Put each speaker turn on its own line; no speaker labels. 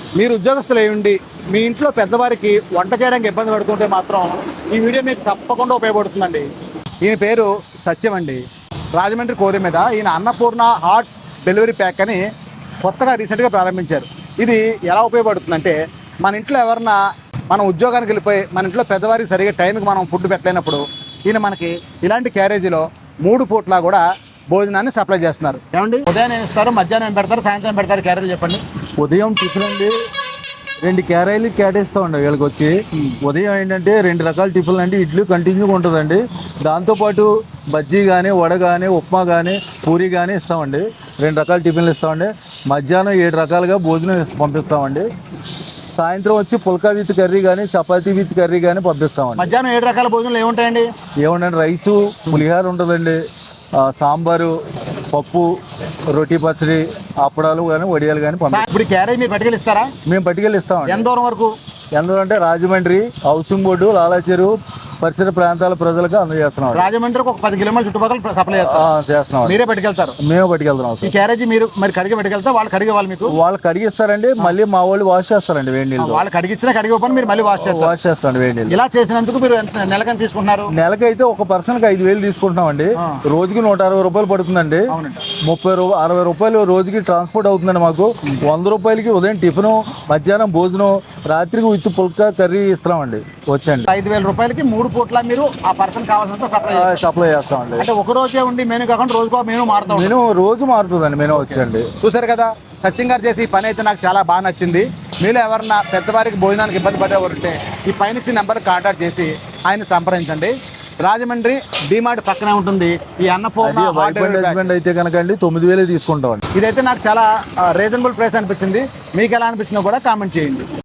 మీరు ఉద్యోగస్తులు అయ్యుండి మీ ఇంట్లో పెద్దవారికి వంట చేయడానికి ఇబ్బంది పడుతుంటే మాత్రం ఈ వీడియో మీకు తప్పకుండా ఉపయోగపడుతుందండి. ఈయన పేరు సత్యం అండి, రాజమండ్రి కోరి మీద. ఈయన అన్నపూర్ణ హాట్ డెలివరీ ప్యాక్ అని కొత్తగా రీసెంట్గా ప్రారంభించారు. ఇది ఎలా ఉపయోగపడుతుందంటే, మన ఇంట్లో ఎవరన్నా మనం ఉద్యోగానికి వెళ్ళిపోయి మన ఇంట్లో పెద్దవారికి సరిగ్గా టైంకి మనం ఫుడ్ పెట్టలేనప్పుడు ఈయన మనకి ఇలాంటి క్యారేజీలో 3 పూట్లా కూడా భోజనాన్ని సప్లై చేస్తున్నారు. ఏమండి, ఉదయం ఏం ఇస్తారు, మధ్యాహ్నం ఏం పెడతారు, సాయంత్రం పెడతారు క్యారేజీ చెప్పండి.
ఉదయం టిఫిన్ అండి 2 క్యారీలు కేటాయిస్తామండి వీళ్ళకి వచ్చి. ఉదయం ఏంటంటే 2 రకాల టిఫిన్లు అండి, ఇడ్లీ కంటిన్యూగా ఉంటుందండి. దాంతోపాటు బజ్జీ కానీ, వడ కానీ, ఉప్మా కానీ, పూరి కానీ ఇస్తామండి. 2 రకాల టిఫిన్లు ఇస్తామండి. మధ్యాహ్నం 7 రకాలుగా భోజనం పంపిస్తామండి. సాయంత్రం వచ్చి పుల్కా విత్ కర్రీ కానీ, చపాతీ విత్ కర్రీ కానీ పంపిస్తామండి.
మధ్యాహ్నం 7 రకాల భోజనాలు ఏముంటాయండి?
ఏముండండి, రైసు, పులిహార ఉంటుందండి, సాంబారు, పప్పు, రోటీ పచ్చడి, అప్పడాలు కానీ, వడియాలు కానీ
ఇప్పుడు క్యారేజ్ మీరు పట్టుకెళ్ళిస్తారా?
మేము పట్టుకెళ్ళి ఇస్తామండి.
ఎంత దూరం వరకు?
ఎందుకంటే రాజమండ్రి, హౌసింగ్ బోర్డు, లాలాచెరువు పరిసర ప్రాంతాల ప్రజలకు అందజేస్తున్నాం.
రాజమండ్రికి ఒక 10 కిలోమీటర్ల చుట్టుపక్కల సప్లై
చేస్తున్నాం.
మీరే పట్టుకెళ్తారు?
మేము పట్టుకెళ్తున్నాం.
ఈ క్యారేజీ మీరు మరి కడిగి పట్టుకెళ్తా, వాళ్ళు కడిగే వాళ్ళు మీకు?
వాళ్ళు కడిగిస్తారండి, మళ్ళీ మా వాళ్ళు వాష్ చేస్తారండి వేడి నీళ్ళు.
వాళ్ళు కడిగిచ్చినా కడిగిపోయినా మీరు మళ్ళీ వాష్
చేస్తారండి వేడి నీళ్ళు.
ఇలా చేసినందుకు మీరు నెలకని తీసుకుంటున్నారు?
నెలకైతే ఒక పర్సన్కి 5,000 తీసుకుంటున్నామండి. రోజుకి 160 రూపాయలు పడుతుందండి. 60 రూపాయలు రోజుకి ట్రాన్స్పోర్ట్ అవుతుందండి మాకు. 100 రూపాయలకి ఉదయం టిఫిన్, మధ్యాహ్నం భోజనం, రాత్రికి విత్ పుల్కా కర్రీ ఇస్తామండి. వచ్చండి
5,000 రూపాయలకి 3 పూట్ల మీరు ఆ పర్సన్ కావాల్సినంత
సప్లై చేస్తామండి.
అంటే ఒక రోజే ఉండి మెనూ కాకుండా రోజుకో మెనూ మారుతాం.
మెనూ రోజు మారుతుందండి. మెనూ వచ్చండి.
చూసారు కదా, సచిన్ గారు చేసి ఈ పని అయితే నాకు చాలా బాగా నచ్చింది. మీలో ఎవరన్నా పెద్దవారికి భోజనానికి ఇబ్బంది పడేవారు ఉంటే ఈ పైన ఇచ్చిన నెంబర్కి కాంటాక్ట్ చేసి ఆయన సంప్రదించండి. రాజమండ్రి డిమార్ట్ పక్కనే ఉంటుంది ఈ అన్నపూర్ణ
హస్బెండ్ అయితే కనుక అండి 9,000 తీసుకుంటామండి.
ఇదైతే నాకు చాలా రీజనబుల్ ప్రైస్ అనిపించింది. మీకు ఎలా అనిపించిందో కూడా కామెంట్ చేయండి.